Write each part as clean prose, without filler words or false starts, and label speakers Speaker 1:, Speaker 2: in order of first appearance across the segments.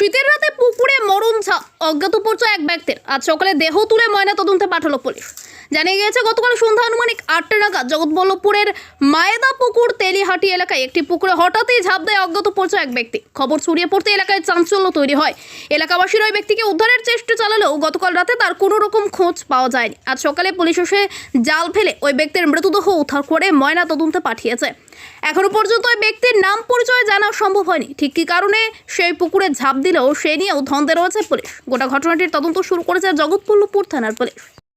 Speaker 1: শীতের রাতে পুকুরে মরণ অজ্ঞাত পরিচয় এক ব্যক্তির আজ সকালে দেহ তুলে ময়না তদন্তে পাঠালো পুলিশ। জানা গিয়েছে গতকাল সন্ধ্যা আনুমানিক 8টা নাগাদ জগৎবল্লভপুরের মায়েদা পুকুর তেলিহাটি এলাকায় একটি পুকুরে হঠাৎই ঝাঁপ দেয় অজ্ঞাত পরিচয় এক ব্যক্তি। খবর ছড়িয়ে পড়তে এলাকায় চাঞ্চল্য তৈরি হয়। এলাকাবাসীরা ওই ব্যক্তিকে উদ্ধারের চেষ্টা চালালেও গতকাল রাতে তার কোনো রকম খোঁজ পাওয়া যায়নি। আজ সকালে পুলিশ এসে জাল ফেলে ওই ব্যক্তির মৃতদেহ উদ্ধার করে ময়না তদন্তে পাঠিয়েছে। এখনো পর্যন্ত ওই ব্যক্তির নাম পরিচয় জানা সম্ভব হয়নি। ঠিক কী কারণে সেই পুকুরে ঝাঁপ দিলেও সে নিয়েও ধন্দে রয়েছে পুলিশ। গোটা ঘটনাটির তদন্ত শুরু করেছে জগৎবল্লভপুর থানার পুলিশ।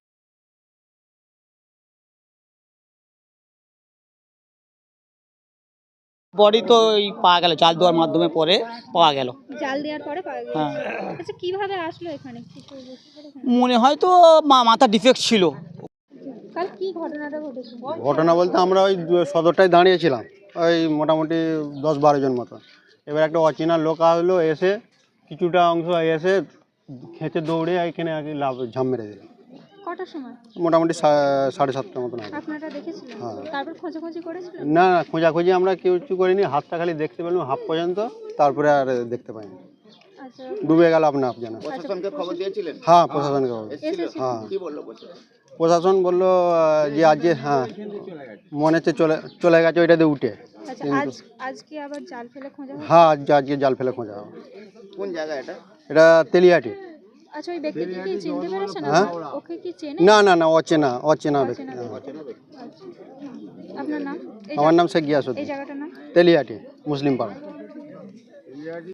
Speaker 2: বডি তো এই পাওয়া গেল, জাল দেওয়ার মাধ্যমে পরে পাওয়া গেল।
Speaker 3: জাল দেওয়ার পরে পাওয়া গেল।
Speaker 2: হ্যাঁ,
Speaker 3: আচ্ছা, কিভাবে আসলো এখানে? কিছু বুঝতে পেরেছেন?
Speaker 2: মনে হয় তো মাথা ডিফেক্ট ছিল।
Speaker 3: কাল কি ঘটনাটা ঘটেছে?
Speaker 4: ঘটনা বলতে আমরা ওই সদরটায় দাঁড়িয়েছিলাম, ওই মোটামুটি 10-12 জন মতো। এবার একটা অচেনা লোক আসলো, এসে কিছুটা অংশ এসে খেঁচে দৌড়ে এখানে আর কি ঝাঁপ মেরে দিল।
Speaker 3: কটার সময়?
Speaker 4: মোটামুটি 7:30টার মতন হবে।
Speaker 3: আপনারা দেখেছিলেন?
Speaker 4: হ্যাঁ।
Speaker 3: তারপর খোঁজাখুঁজি করেছিলেন?
Speaker 4: না না, খোঁজাখুঁজি আমরা কেউ কিছু করিনি, হাতটা খালি দেখতে পেলাম হাফ পর্যন্ত, তারপরে আর দেখতে পাইনি।
Speaker 3: আচ্ছা,
Speaker 4: ডুবে গেল আপনা আপ জানা।
Speaker 5: প্রশাসনকে খবর দিয়েছিলেন?
Speaker 4: হ্যাঁ, প্রশাসনকে খবর।
Speaker 3: এসেছে?
Speaker 4: হ্যাঁ,
Speaker 5: কি বললো প্রশাসন?
Speaker 4: প্রশাসন বললো যে আজকে মনে হচ্ছে চলে গেছে ওইটাতে উঠে।
Speaker 3: আচ্ছা, আজকে আবার জাল ফেলে খোঁজা হবে?
Speaker 4: হ্যাঁ, আজকে জাল ফেলে খোঁজা হবে।
Speaker 5: কোন জায়গা এটা?
Speaker 4: এটা তেলিয়াটি।
Speaker 3: আচ্ছা, ওই ব্যক্তিকে কি চিনতে পেরেছেন?
Speaker 4: হ্যাঁ?
Speaker 3: ওকে কি চেনে?
Speaker 4: না, অচেনা ব্যক্তি।
Speaker 3: আচ্ছা, আপনার নাম?
Speaker 4: আমার নাম শেখ
Speaker 3: এই
Speaker 4: গিয়াসুদ্দিন।
Speaker 3: জায়গাটার নাম?
Speaker 4: তেলিয়াটি মুসলিম পাড়া।